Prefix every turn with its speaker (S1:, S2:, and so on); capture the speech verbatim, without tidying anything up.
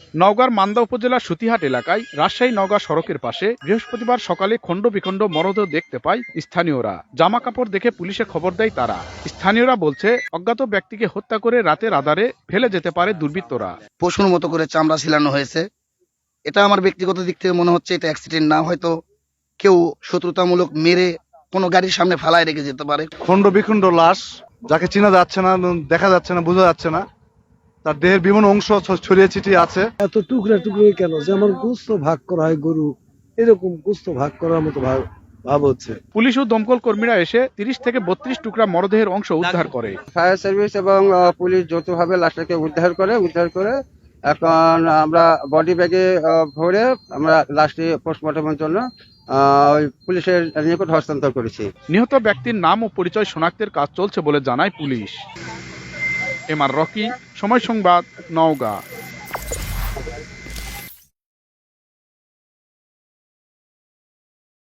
S1: নওগাঁর মান্দা উপজেলার সুতিহাট এলাকায় রাজশাহী নওগাঁ সড়কের পাশে বৃহস্পতিবার সকালে খণ্ড বিখণ্ড মরদেহ দেখতে পায় স্থানীয়রা। জামা কাপড় দেখে পুলিশে খবর দেয় তারা। স্থানীয়রা বলছে, অজ্ঞাত ব্যক্তিকে হত্যা করে রাতের আধারে ফেলে যেতে পারে দুর্বৃত্তরা।
S2: পশুর মতো করে চামড়া ছিলানো হয়েছে। এটা আমার ব্যক্তিগত দিক থেকে মনে হচ্ছে এটা অ্যাক্সিডেন্ট না, হয়তো কেউ শত্রুতামূলক মেরে কোনো গাড়ির সামনে ফালায় রেখে যেতে পারে।
S3: খণ্ড বিখণ্ড লাশ, যাকে চেনা যাচ্ছে না, দেখা যাচ্ছে না, বোঝা যাচ্ছে না, তার দেহের বিভিন্ন অংশ ছড়িয়ে ছিটিয়ে আছে।
S4: এত টুকরা টুকরো কেন? যেমন গোস্ত ভাগ করা হয় গরু, এরকম গোস্ত ভাগ করার মতো ভাব ভাব হচ্ছে।
S1: পুলিশ ও দমকল কর্মীরা এসে তিরিশ থেকে বত্রিশ টুকরা মরদেহের অংশ উদ্ধার করে।
S5: ফায়ার সার্ভিস এবং পুলিশ যৌথভাবে লাশটাকে উদ্ধার করে উদ্ধার করে এখন আমরা বডি ব্যাগে ভরে আমরা লাশটি পোস্টমর্টমের জন্য পুলিশের নিকট হস্তান্তর করেছি।
S1: নিহত ব্যক্তির নাম ও পরিচয় শনাক্তের কাজ চলছে বলে জানায় পুলিশ। এম আর রকি, সময় সংবাদ, নওগাঁ।